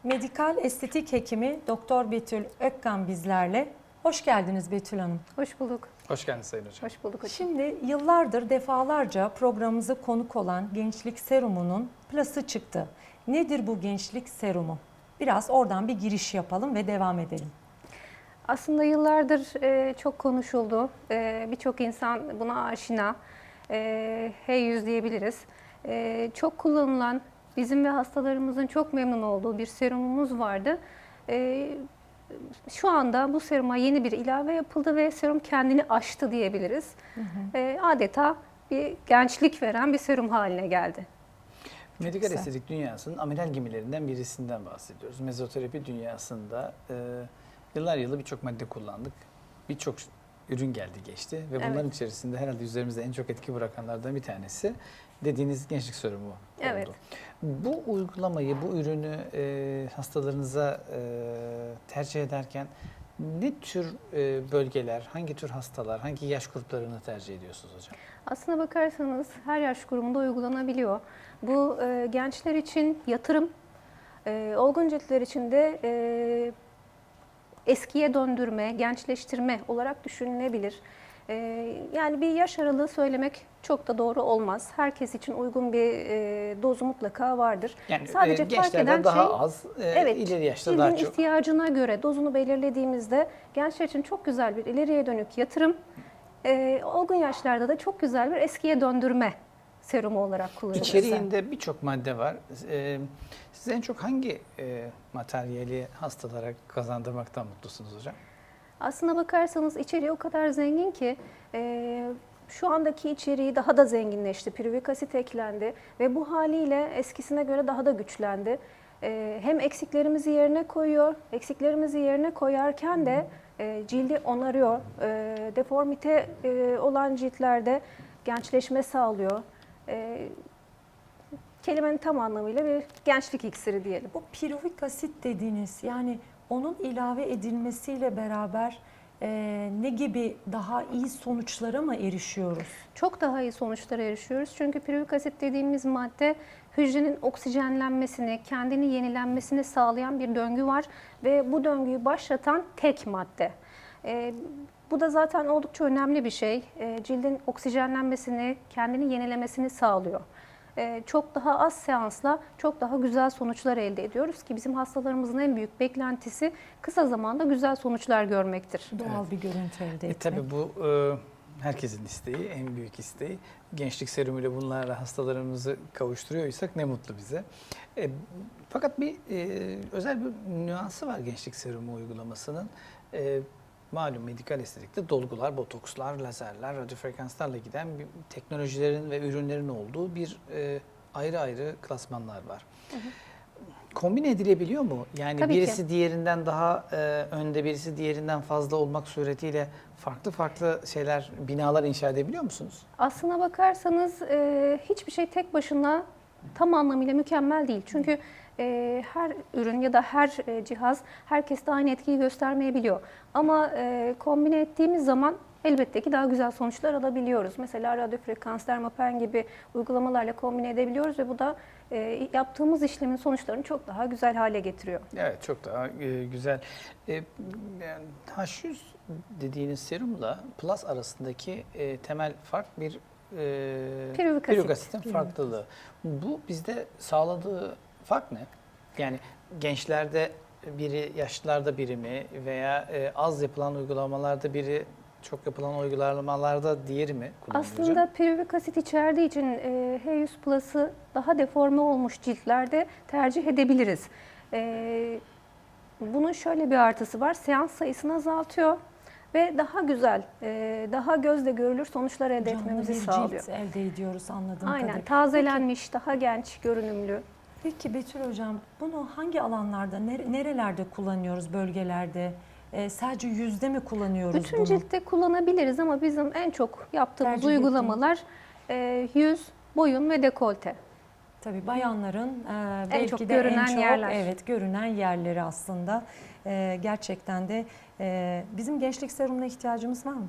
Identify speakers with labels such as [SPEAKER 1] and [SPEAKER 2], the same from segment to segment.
[SPEAKER 1] Medikal estetik hekimi Doktor Betül Ökkan bizlerle. Hoş geldiniz Betül Hanım.
[SPEAKER 2] Hoş bulduk.
[SPEAKER 3] Hoş geldiniz Sayın Hocam.
[SPEAKER 2] Hoş bulduk hocam.
[SPEAKER 1] Şimdi yıllardır defalarca programımıza konuk olan Gençlik Serumu'nun Plus'ı çıktı. Nedir bu Gençlik Serumu? Biraz oradan bir giriş yapalım ve devam edelim.
[SPEAKER 2] Aslında yıllardır çok konuşuldu. Birçok insan buna aşina. Hey yüz diyebiliriz. Çok kullanılan, bizim ve hastalarımızın çok memnun olduğu bir serumumuz vardı. Şu anda bu seruma yeni bir ilave yapıldı ve serum kendini aştı diyebiliriz. Adeta bir gençlik veren bir serum haline geldi.
[SPEAKER 3] Medikal
[SPEAKER 1] güzel.
[SPEAKER 3] estetik dünyasının amiral gemilerinden birisinden bahsediyoruz. Mezoterapi dünyasında yıllar yılı birçok madde kullandık. Birçok ürün geldi geçti ve bunların
[SPEAKER 2] Evet.
[SPEAKER 3] içerisinde herhalde üzerimizde en çok etki bırakanlardan bir tanesi dediğiniz gençlik serumu oldu.
[SPEAKER 2] Evet.
[SPEAKER 3] Bu uygulamayı, bu ürünü hastalarınıza tercih ederken ne tür bölgeler, hangi tür hastalar, hangi yaş gruplarını tercih ediyorsunuz hocam?
[SPEAKER 2] Aslına bakarsanız her yaş grubunda uygulanabiliyor. Bu gençler için yatırım, olgun ciltler için de eskiye döndürme, gençleştirme olarak düşünülebilir. Yani bir yaş aralığı söylemek çok da doğru olmaz. Herkes için uygun bir dozu mutlaka vardır.
[SPEAKER 3] Yani
[SPEAKER 2] Sadece fark eden
[SPEAKER 3] gençlerde daha
[SPEAKER 2] şey,
[SPEAKER 3] az,
[SPEAKER 2] evet,
[SPEAKER 3] ileri yaşta
[SPEAKER 2] cildin
[SPEAKER 3] daha çok.
[SPEAKER 2] ihtiyacına göre dozunu belirlediğimizde gençler için çok güzel bir ileriye dönük yatırım, olgun yaşlarda da çok güzel bir eskiye döndürme serumu olarak kullanılır.
[SPEAKER 3] İçeriğinde birçok madde var. Siz en çok hangi materyali hastalara kazandırmaktan mutlusunuz hocam?
[SPEAKER 2] Aslına bakarsanız içeriği o kadar zengin ki şu andaki içeriği daha da zenginleşti. Piruvik asit eklendi ve bu haliyle eskisine göre daha da güçlendi. Hem eksiklerimizi yerine koyuyor, eksiklerimizi yerine koyarken de cildi onarıyor. Deformite olan ciltlerde gençleşme sağlıyor. Kelimenin tam anlamıyla bir gençlik iksiri diyelim.
[SPEAKER 1] Bu piruvik asit dediğiniz, yani onun ilave edilmesiyle beraber ne gibi daha iyi sonuçlara mı erişiyoruz?
[SPEAKER 2] Çok daha iyi sonuçlara erişiyoruz. Çünkü piruvik asit dediğimiz madde hücrenin oksijenlenmesini, kendini yenilenmesini sağlayan bir döngü var ve bu döngüyü başlatan tek madde. Bu da zaten oldukça önemli bir şey. Cildin oksijenlenmesini, kendini yenilemesini sağlıyor. Çok daha az seansla çok daha güzel sonuçlar elde ediyoruz ki bizim hastalarımızın en büyük beklentisi kısa zamanda güzel sonuçlar görmektir.
[SPEAKER 1] Doğal bir görüntü elde etmek.
[SPEAKER 3] Tabii bu herkesin isteği, en büyük isteği. Gençlik serumuyla bunlarla hastalarımızı kavuşturuyorsak ne mutlu bize. Fakat bir özel bir nüansı var gençlik serumu uygulamasının. Malum medikal estetikte dolgular, botokslar, lazerler, radyofrekanslarla giden bir teknolojilerin ve ürünlerin olduğu bir ayrı ayrı klasmanlar var.
[SPEAKER 2] Hı hı.
[SPEAKER 3] Kombine edilebiliyor mu? Yani
[SPEAKER 2] Tabii
[SPEAKER 3] birisi
[SPEAKER 2] ki.
[SPEAKER 3] diğerinden daha önde, birisi diğerinden fazla olmak suretiyle farklı farklı şeyler, binalar inşa edebiliyor musunuz?
[SPEAKER 2] Aslına bakarsanız hiçbir şey tek başına tam anlamıyla mükemmel değil. Çünkü her ürün ya da her cihaz herkeste aynı etkiyi göstermeyebiliyor. Ama kombine ettiğimiz zaman elbette ki daha güzel sonuçlar alabiliyoruz. Mesela radyofrekans, dermapen gibi uygulamalarla kombine edebiliyoruz ve bu da yaptığımız işlemin sonuçlarını çok daha güzel hale getiriyor.
[SPEAKER 3] Evet, çok daha güzel. Yani H100 dediğiniz serumla Plus arasındaki temel fark bir
[SPEAKER 2] Piruvik
[SPEAKER 3] piruvik
[SPEAKER 2] asit.
[SPEAKER 3] asitin farklılığı. Bu bizde sağladığı fark ne? Yani gençlerde biri, yaşlılarda biri mi veya az yapılan uygulamalarda biri, çok yapılan uygulamalarda diğeri mi kullanılıyor hocam?
[SPEAKER 2] Aslında piruvik asit içerdiği için H100 Plus'ı daha deforme olmuş ciltlerde tercih edebiliriz. Bunun şöyle bir artısı var. Seans sayısını azaltıyor ve daha güzel, daha gözle görülür sonuçlar elde
[SPEAKER 1] Canlı
[SPEAKER 2] etmemizi
[SPEAKER 1] bir
[SPEAKER 2] sağlıyor.
[SPEAKER 1] cilt elde ediyoruz anladığım
[SPEAKER 2] Aynen,
[SPEAKER 1] kadarıyla.
[SPEAKER 2] tazelenmiş, daha genç görünümlü.
[SPEAKER 1] Peki Betül Hocam, bunu hangi alanlarda, nerelerde kullanıyoruz, bölgelerde? Sadece yüzde mi kullanıyoruz
[SPEAKER 2] Bütün
[SPEAKER 1] bunu?
[SPEAKER 2] ciltte kullanabiliriz ama bizim en çok yaptığımız
[SPEAKER 1] Tercih
[SPEAKER 2] uygulamalar yüz, boyun ve dekolte.
[SPEAKER 1] Tabii bayanların belki
[SPEAKER 2] çok
[SPEAKER 1] de
[SPEAKER 2] görünen
[SPEAKER 1] en çok
[SPEAKER 2] yerler.
[SPEAKER 1] evet görünen yerleri aslında. Gerçekten de bizim gençlik serumuna ihtiyacımız var mı?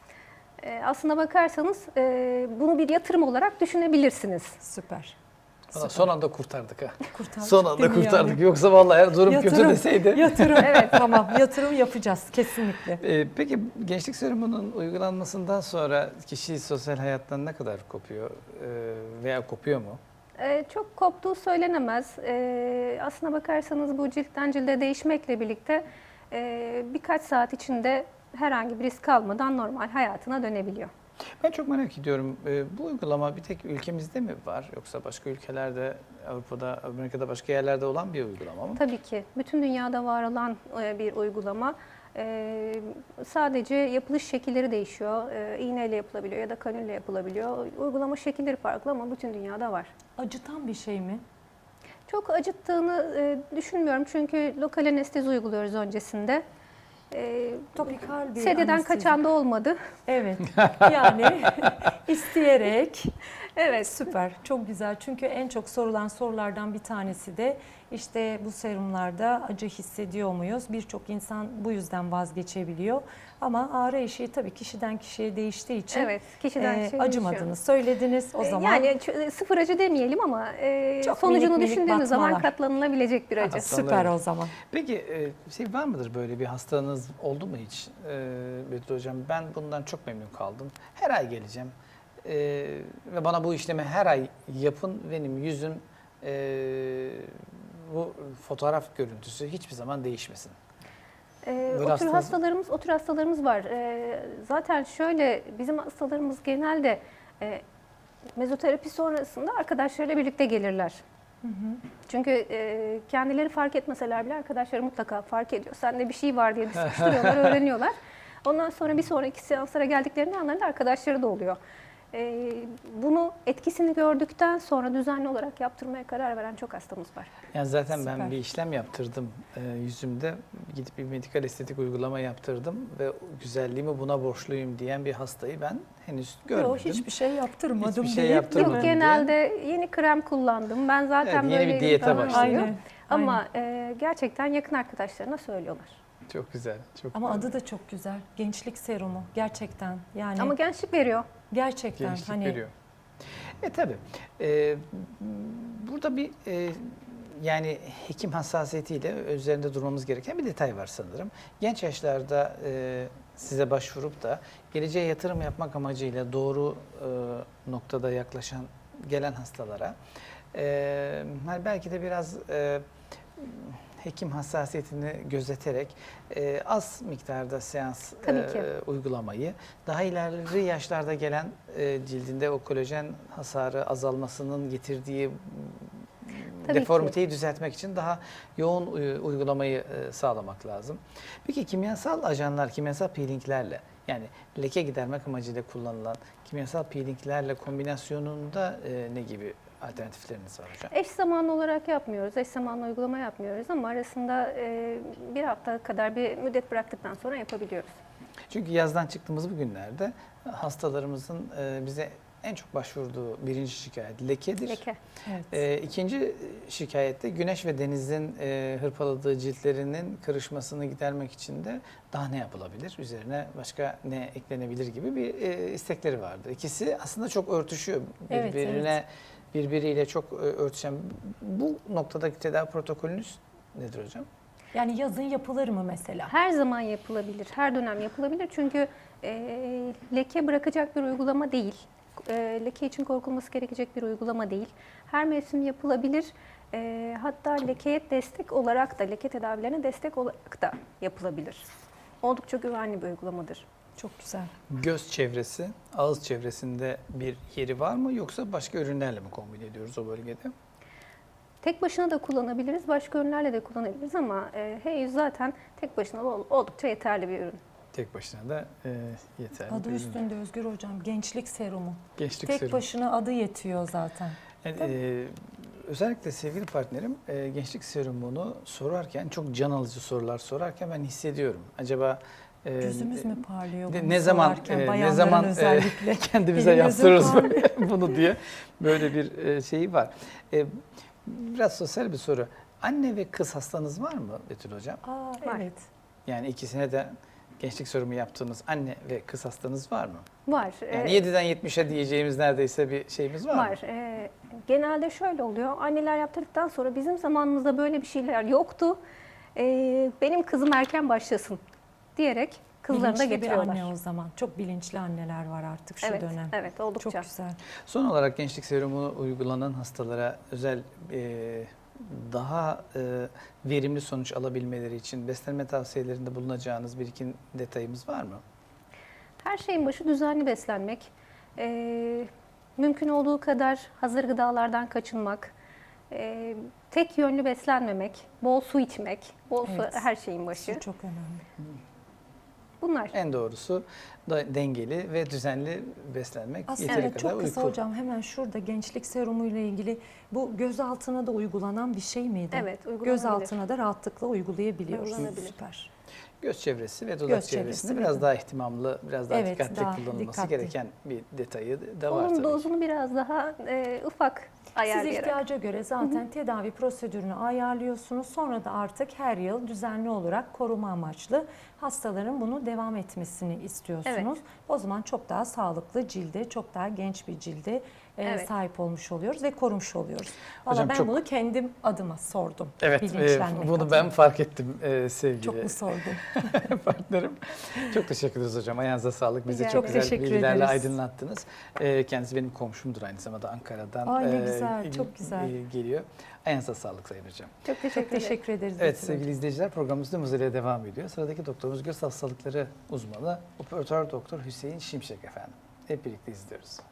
[SPEAKER 2] Aslına bakarsanız bunu bir yatırım olarak düşünebilirsiniz.
[SPEAKER 1] Süper.
[SPEAKER 3] Son anda kurtardık ha.
[SPEAKER 1] Kurtardık
[SPEAKER 3] Son anda
[SPEAKER 1] değil mi
[SPEAKER 3] kurtardık.
[SPEAKER 1] yani?
[SPEAKER 3] Yoksa vallahi durum kötü deseydi.
[SPEAKER 1] Yatırım evet tamam yatırım yapacağız kesinlikle.
[SPEAKER 3] Peki gençlik serumunun uygulanmasından sonra kişi sosyal hayattan ne kadar kopuyor veya kopuyor mu?
[SPEAKER 2] Çok koptuğu söylenemez. Aslına bakarsanız bu ciltten cilde değişmekle birlikte birkaç saat içinde herhangi bir risk almadan normal hayatına dönebiliyor.
[SPEAKER 3] Ben çok merak ediyorum. Bu uygulama bir tek ülkemizde mi var yoksa başka ülkelerde, Avrupa'da, Amerika'da başka yerlerde olan bir uygulama mı?
[SPEAKER 2] Tabii ki bütün dünyada var olan bir uygulama. Sadece yapılış şekilleri değişiyor. İğneyle yapılabiliyor ya da kanülle yapılabiliyor. Uygulama şekilleri farklı ama bütün dünyada var.
[SPEAKER 1] Acıtan bir şey mi?
[SPEAKER 2] Çok acıttığını düşünmüyorum çünkü lokal anestezi uyguluyoruz öncesinde.
[SPEAKER 1] Topikal bir
[SPEAKER 2] Sedyeden
[SPEAKER 1] anestezi.
[SPEAKER 2] kaçan da olmadı.
[SPEAKER 1] Evet yani isteyerek.
[SPEAKER 2] Evet.
[SPEAKER 1] Süper, çok güzel. Çünkü en çok sorulan sorulardan bir tanesi de işte bu serumlarda acı hissediyor muyuz? Birçok insan bu yüzden vazgeçebiliyor. Ama ağrı eşiği tabii kişiden kişiye değiştiği için
[SPEAKER 2] Evet, kişiden kişiye
[SPEAKER 1] acımadığını
[SPEAKER 2] değişiyor.
[SPEAKER 1] söylediniz o zaman.
[SPEAKER 2] Yani sıfır acı demeyelim ama
[SPEAKER 1] Çok
[SPEAKER 2] sonucunu
[SPEAKER 1] minik minik
[SPEAKER 2] düşündüğümüz zaman
[SPEAKER 1] batmalar.
[SPEAKER 2] katlanılabilecek bir acı.
[SPEAKER 1] Süper o zaman.
[SPEAKER 3] Peki şey var mıdır böyle bir hastanız oldu mu hiç Betül Hocam? Ben bundan çok memnun kaldım. Her ay geleceğim ve bana bu işlemi her ay yapın. Benim yüzüm bu fotoğraf görüntüsü hiçbir zaman değişmesin.
[SPEAKER 2] O tür hastalarımız var. Zaten şöyle bizim hastalarımız genelde mezoterapi sonrasında arkadaşlarıyla birlikte gelirler. Çünkü kendileri fark etmeseler bile arkadaşları mutlaka fark ediyor. Sende bir şey var diye sıkıştırıyorlar, öğreniyorlar. Ondan sonra bir sonraki seanslara geldiklerinde yanlarında arkadaşları da oluyor. Bunu etkisini gördükten sonra düzenli olarak yaptırmaya karar veren çok hastamız var.
[SPEAKER 3] Yani zaten
[SPEAKER 1] Süper.
[SPEAKER 3] ben bir işlem yaptırdım yüzümde. Gidip bir medikal estetik uygulama yaptırdım ve güzelliğimi buna borçluyum diyen bir hastayı ben henüz görmedim.
[SPEAKER 1] Yok hiçbir şey yaptırmadım.
[SPEAKER 3] Hiçbir şey
[SPEAKER 1] deyip,
[SPEAKER 3] yaptırmadım.
[SPEAKER 1] değil mi?
[SPEAKER 2] Yok, genelde yeni krem kullandım. Ben zaten
[SPEAKER 3] Evet, yeni bir
[SPEAKER 2] böyleydim
[SPEAKER 3] diyete
[SPEAKER 2] falan
[SPEAKER 3] başladım.
[SPEAKER 2] diyor.
[SPEAKER 1] Aynen.
[SPEAKER 2] Ama gerçekten yakın arkadaşlarına söylüyorlar.
[SPEAKER 3] Çok güzel. Çok
[SPEAKER 1] Ama
[SPEAKER 3] güzel.
[SPEAKER 1] adı da çok güzel. Gençlik serumu gerçekten. Yani
[SPEAKER 2] Ama gençlik veriyor.
[SPEAKER 1] gerçekten
[SPEAKER 3] Gençlik
[SPEAKER 1] hani
[SPEAKER 3] veriyor. Tabii. Burada bir yani hekim hassasiyetiyle üzerinde durmamız gereken bir detay var sanırım. Genç yaşlarda size başvurup da geleceğe yatırım yapmak amacıyla doğru noktada yaklaşan gelen hastalara hani belki de biraz hekim hassasiyetini gözeterek az miktarda seans
[SPEAKER 2] Tabii ki.
[SPEAKER 3] uygulamayı daha ileri yaşlarda gelen cildinde o kolajen hasarı azalmasının getirdiği
[SPEAKER 2] Tabii
[SPEAKER 3] deformiteyi düzeltmek için daha yoğun uygulamayı sağlamak lazım. Peki kimyasal ajanlar, kimyasal peelinglerle yani leke gidermek amacıyla kullanılan kimyasal peelinglerle kombinasyonunda ne gibi alternatifleriniz var hocam?
[SPEAKER 2] Eş zamanlı olarak yapmıyoruz. Eş zamanlı uygulama yapmıyoruz ama arasında bir hafta kadar bir müddet bıraktıktan sonra yapabiliyoruz.
[SPEAKER 3] Çünkü yazdan çıktığımız bu günlerde hastalarımızın bize en çok başvurduğu birinci şikayet lekedir.
[SPEAKER 2] Leke.
[SPEAKER 1] evet.
[SPEAKER 3] İkinci şikayette güneş ve denizin hırpaladığı ciltlerinin kırışmasını gidermek için de daha ne yapılabilir? Üzerine başka ne eklenebilir gibi bir istekleri vardı. İkisi aslında çok örtüşüyor.
[SPEAKER 1] Evet,
[SPEAKER 3] Birbiriyle çok örtüşen. Bu noktadaki tedavi protokolünüz nedir hocam?
[SPEAKER 1] Yani yazın yapılır mı mesela?
[SPEAKER 2] Her zaman yapılabilir, her dönem yapılabilir çünkü leke bırakacak bir uygulama değil. Leke için korkulması gerekecek bir uygulama değil. Her mevsim yapılabilir. Hatta lekeye destek olarak da, leke tedavilerine destek olarak da yapılabilir. Oldukça güvenli bir uygulamadır.
[SPEAKER 1] Çok güzel.
[SPEAKER 3] Göz çevresi, ağız çevresinde bir yeri var mı yoksa başka ürünlerle mi kombin ediyoruz o bölgede?
[SPEAKER 2] Tek başına da kullanabiliriz, başka ürünlerle de kullanabiliriz ama H100 zaten tek başına oldukça yeterli bir ürün.
[SPEAKER 3] Tek başına da yeterli.
[SPEAKER 1] Adı
[SPEAKER 3] bir ürün.
[SPEAKER 1] üstünde Özgür Hocam. Gençlik serumu.
[SPEAKER 3] Gençlik
[SPEAKER 1] Tek
[SPEAKER 3] serumu.
[SPEAKER 1] başına adı yetiyor zaten.
[SPEAKER 3] Yani, özellikle sevgili partnerim gençlik serumunu sorarken çok can alıcı sorular sorarken ben hissediyorum. Acaba
[SPEAKER 1] Yüzümüz mü parlıyor bunu
[SPEAKER 3] ne zaman
[SPEAKER 1] sorarken, bayanların özellikle.
[SPEAKER 3] kendimize
[SPEAKER 1] Elim
[SPEAKER 3] yaptırırız
[SPEAKER 1] yüzüm
[SPEAKER 3] bunu diye böyle bir şeyi var. Biraz sosyal bir soru. Anne ve kız hastanız var mı Betül Hocam?
[SPEAKER 1] Aa,
[SPEAKER 2] Var.
[SPEAKER 1] evet.
[SPEAKER 3] Yani ikisine de gençlik serumu yaptığınız anne ve kız hastanız var mı?
[SPEAKER 2] Var.
[SPEAKER 3] Yani 7'den 70'e diyeceğimiz neredeyse bir şeyimiz var mı?
[SPEAKER 2] Var. Genelde şöyle oluyor. Anneler yaptırdıktan sonra bizim zamanımızda böyle bir şeyler yoktu. Benim kızım erken başlasın diyerek kızlarını da
[SPEAKER 1] Bilinçli bir
[SPEAKER 2] getiriyorlar.
[SPEAKER 1] anne o zaman. Çok bilinçli anneler var artık şu
[SPEAKER 2] Evet,
[SPEAKER 1] dönem.
[SPEAKER 2] evet oldukça.
[SPEAKER 1] Çok güzel.
[SPEAKER 3] Son olarak gençlik serumunu uygulanan hastalara özel daha verimli sonuç alabilmeleri için beslenme tavsiyelerinde bulunacağınız bir iki detayımız var mı?
[SPEAKER 2] Her şeyin başı düzenli beslenmek. Mümkün olduğu kadar hazır gıdalardan kaçınmak. Tek yönlü beslenmemek, bol su içmek, bol su
[SPEAKER 1] Evet.
[SPEAKER 2] her şeyin başı.
[SPEAKER 1] Su çok önemli.
[SPEAKER 2] Bunlar.
[SPEAKER 3] En doğrusu da dengeli ve düzenli beslenmek,
[SPEAKER 1] Aslında
[SPEAKER 3] yeteri kadar
[SPEAKER 1] çok kısa
[SPEAKER 3] uyku.
[SPEAKER 1] hocam, hemen şurada gençlik serumu ile ilgili bu göz altına da uygulanan bir şey miydi?
[SPEAKER 2] Evet, uygulanabilir.
[SPEAKER 1] Göz altına da rahatlıkla uygulayabiliyoruz.
[SPEAKER 2] Uygulanabilir.
[SPEAKER 1] Süper.
[SPEAKER 3] Göz çevresi ve dudak
[SPEAKER 1] Göz
[SPEAKER 3] çevresinde
[SPEAKER 1] çevresi
[SPEAKER 3] biraz
[SPEAKER 1] ve
[SPEAKER 3] daha ihtimamlı, biraz daha
[SPEAKER 1] Evet,
[SPEAKER 3] dikkatli
[SPEAKER 1] daha
[SPEAKER 3] kullanılması
[SPEAKER 1] dikkatli.
[SPEAKER 3] gereken bir detayı da var
[SPEAKER 2] Onun
[SPEAKER 3] tabii ki.
[SPEAKER 2] dozunu biraz daha ufak
[SPEAKER 1] Siz
[SPEAKER 2] ayarlayarak.
[SPEAKER 1] ihtiyaca göre zaten tedavi prosedürünü ayarlıyorsunuz. Sonra da artık her yıl düzenli olarak koruma amaçlı hastaların bunu devam etmesini istiyorsunuz. O zaman çok daha sağlıklı cilde, çok daha genç bir cilde
[SPEAKER 2] Evet.
[SPEAKER 1] sahip olmuş oluyoruz ve korumuş oluyoruz. Valla
[SPEAKER 3] Hocam
[SPEAKER 1] ben
[SPEAKER 3] çok-
[SPEAKER 1] bunu kendim adıma sordum.
[SPEAKER 3] Evet,
[SPEAKER 1] bilinçlenmek
[SPEAKER 3] bunu
[SPEAKER 1] adına.
[SPEAKER 3] ben fark ettim sevgili
[SPEAKER 1] Çok mu sordum?
[SPEAKER 3] partnerim. Çok teşekkür ederiz hocam. Ayağınıza sağlık. Bizi
[SPEAKER 2] Rica
[SPEAKER 3] çok
[SPEAKER 2] ederim.
[SPEAKER 3] güzel
[SPEAKER 1] Teşekkür
[SPEAKER 3] bilgilerle
[SPEAKER 1] ederiz.
[SPEAKER 3] aydınlattınız. Kendisi benim komşumdur aynı zamanda Ankara'dan.
[SPEAKER 1] Ay ne güzel, çok güzel.
[SPEAKER 3] Geliyor. Ayağınıza sağlık Sayın Hocam.
[SPEAKER 2] Çok teşekkür
[SPEAKER 1] Çok
[SPEAKER 2] ederim.
[SPEAKER 1] teşekkür ederiz.
[SPEAKER 3] Evet
[SPEAKER 1] Betül
[SPEAKER 3] sevgili izleyiciler, programımız tüm hızıyla devam ediyor. Sıradaki doktorumuz göz hastalıkları uzmanı operatör doktor Hüseyin Şimşek efendim. Hep birlikte izliyoruz.